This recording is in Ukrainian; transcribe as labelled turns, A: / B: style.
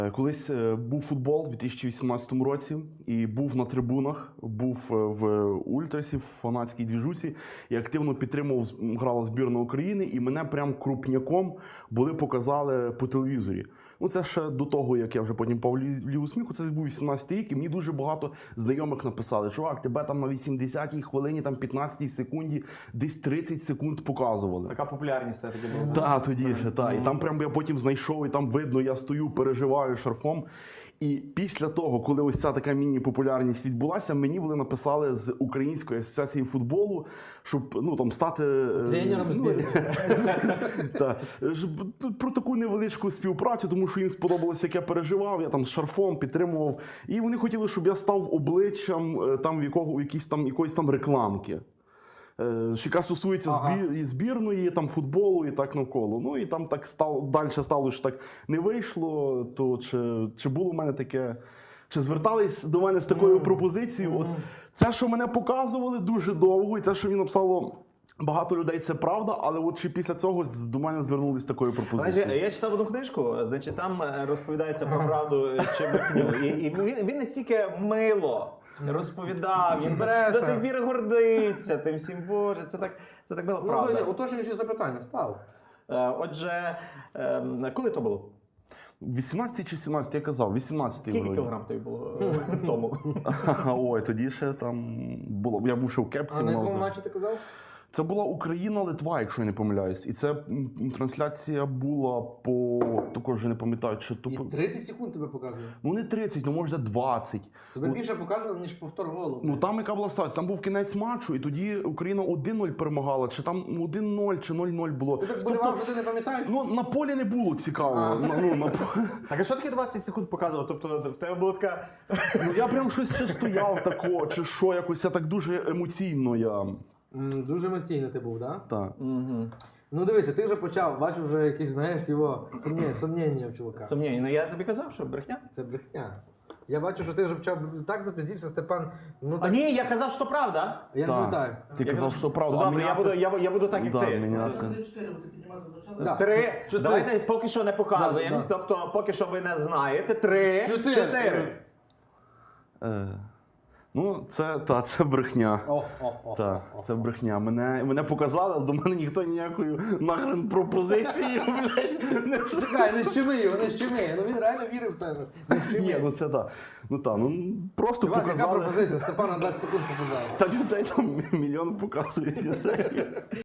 A: Колись був футбол у 2018 році і був на трибунах, був в ультрасі, в фанатській двіжусі і активно підтримував, грала збірна України, і мене прям крупняком показали по телевізорі. Ну, це ще до того, як я вже потім попав в Лігу сміху, це був 18 рік, і мені дуже багато знайомих написали: чувак, тебе там на 80-й хвилині, там 15-й секунді, десь 30 секунд показували.
B: Така популярність тоді була.
A: Так, тоді ще, так. І там прям я потім знайшов, і там видно, я стою, переживаю шарфом. І після того, коли ось ця така міні-популярність відбулася, мені написали з Української асоціації футболу, щоб там стати
C: тренером збірної.
A: Про таку невеличку співпрацю, тому що їм сподобалося, як я переживав, я там з шарфом підтримував. І вони хотіли, щоб я став обличчям якоїсь там рекламки, яка стосується збірної, там, футболу і так навколо. Ну і там так далі стало, що так не вийшло, то чи було в мене таке, чи звертались до мене з такою пропозицією. От це, що мене показували дуже довго, і це, що він написало багато людей, це правда, але от чи після цього до мене звернулись з такою пропозицією?
B: Я читав одну книжку, значить, там розповідається про правду чи брехню. І він настільки мило розповідав, він до сих пір гордиться тим всім, Боже, це так було правда.
C: Уточнюючи запитання, став.
B: Отже, коли то було?
A: 18 чи 17, я казав, 18.
B: Скільки кілограм тобі було тому?
A: Ой, тоді ще там було, я був ще в кепці.
C: А на якому матчі ти казав?
A: Це була Україна-Литва, якщо я не помиляюсь. І це трансляція була також вже не пам'ятаю, чи то...
C: І 30 секунд тебе показує?
A: Ну не 30, ну може 20.
C: Тебе більше показували, ніж повтор голу.
A: Ну там яка була ситуація? Там був кінець матчу, і тоді Україна 1-0 перемагала, чи там 1-0, чи 0-0 було.
C: Ти так болівав, що ти не пам'ятаєш?
A: Ну на полі не було цікаво.
B: Так, а що таке 20 секунд показував? Тобто в тебе була така...
A: Ну я прям щось ще стояв тако, чи що, якось я так дуже емоційно я...
C: Дуже емоційно ти був, так?
A: Так.
C: Ну дивися, ти вже почав, бачив вже якісь, знаєш, його сумніння в чувака.
B: Сумніння, ну я тобі казав, що брехня.
C: Це брехня. Я бачу, що ти вже почав так запиздівся, Степан. Ну, так...
B: А ні, я казав, що правда.
C: Я не пам'ятаю.
A: Ти казав, що правда.
B: Добре, я буду так, як ти. Три. Давайте поки що не показуємо. Тобто, поки що ви не знаєте. 3, 4.
A: Ну, це брехня. Це брехня. Мене показали, але до мене ніхто ніякою нахрен пропозицією, блядь, не
C: Чекай, не щеми його, не щеми. Ну він реально вірив в тебе.
A: Ні, ну це так. Ну просто
C: Чувак,
A: показали.
C: яка пропозиція? Степана 20 секунд показали.
A: Та людей там мільйон показують.